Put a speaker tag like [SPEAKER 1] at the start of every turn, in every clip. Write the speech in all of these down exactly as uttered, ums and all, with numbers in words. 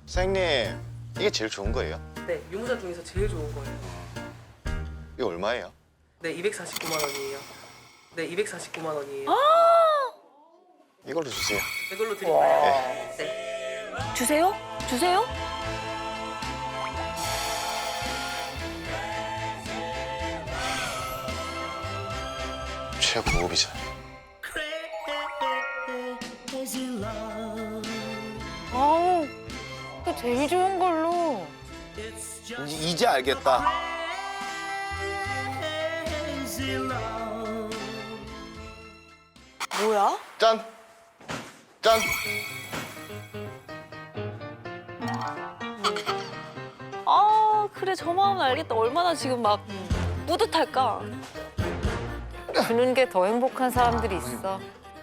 [SPEAKER 1] 사장님, 이게 제일 좋은 거예요?
[SPEAKER 2] 네, 유무사 중에서 제일 좋은 거예요.
[SPEAKER 1] 이게 얼마예요?
[SPEAKER 2] 네, 이백사십구만 원이에요. 네, 이백사십구만 원이에요.
[SPEAKER 1] 이걸로 주세요.
[SPEAKER 2] 이걸로 드릴까요?
[SPEAKER 1] 네.
[SPEAKER 2] 네.
[SPEAKER 3] 주세요? 주세요?
[SPEAKER 1] 최고급이잖아요.
[SPEAKER 3] 아우, 또 제일 좋은 걸로.
[SPEAKER 4] 이제, 이제 알겠다.
[SPEAKER 3] 뭐야?
[SPEAKER 1] 짠! 짠!
[SPEAKER 3] 아, 그래, 저 마음은 알겠다. 얼마나 지금 막 뿌듯할까?
[SPEAKER 5] 주는 게 더 행복한 사람들이 있어.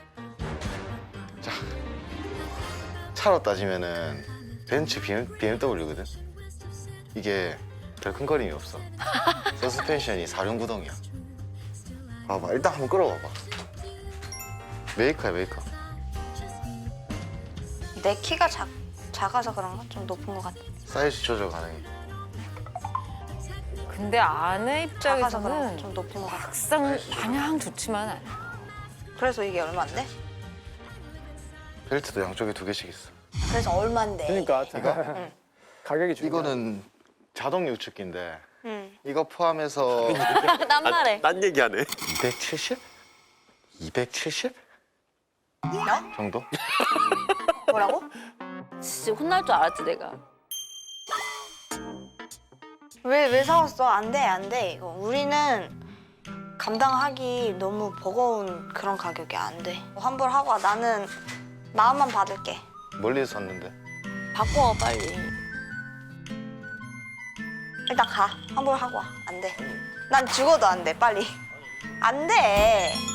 [SPEAKER 1] 차로 따지면은 벤츠 비엠더블유거든? 이게 별 큰거림이 없어. 서스펜션이 사륜구동이야. 봐봐, 일단 한번 끌어봐봐. 메이커야, 메이커.
[SPEAKER 6] 내 키가 작, 작아서 그런가? 좀 높은 것 같아.
[SPEAKER 1] 사이즈 조절 가능해.
[SPEAKER 5] 근데 아내
[SPEAKER 6] 작아서 그런가?
[SPEAKER 5] 입장에서는
[SPEAKER 6] 좀 높은 것 같아.
[SPEAKER 5] 막상 마냥 좋지만 않아.
[SPEAKER 6] 그래서 이게 얼마인데?
[SPEAKER 1] 벨트도 양쪽에 두 개씩 있어.
[SPEAKER 6] 그래서 얼마인데?
[SPEAKER 7] 그러니까
[SPEAKER 6] 응.
[SPEAKER 7] 가격이 중요해.
[SPEAKER 1] 이거는 자동 유축기인데
[SPEAKER 6] 응.
[SPEAKER 1] 이거 포함해서
[SPEAKER 3] 난 말해.
[SPEAKER 4] 딴 얘기하네.
[SPEAKER 1] 이백칠십? 이백칠십?
[SPEAKER 6] 야?
[SPEAKER 1] 정도?
[SPEAKER 6] 뭐라고?
[SPEAKER 3] 진짜 혼날 줄 알았지, 내가.
[SPEAKER 6] 왜, 왜 사왔어? 안 돼, 안 돼. 이거 우리는 감당하기 너무 버거운 그런 가격이 안 돼. 환불하고 와. 나는 마음만 받을게.
[SPEAKER 1] 멀리서 샀는데.
[SPEAKER 3] 바꿔, 빨리.
[SPEAKER 6] 일단 가. 환불하고 와. 안 돼. 난 죽어도 안 돼, 빨리. 안 돼.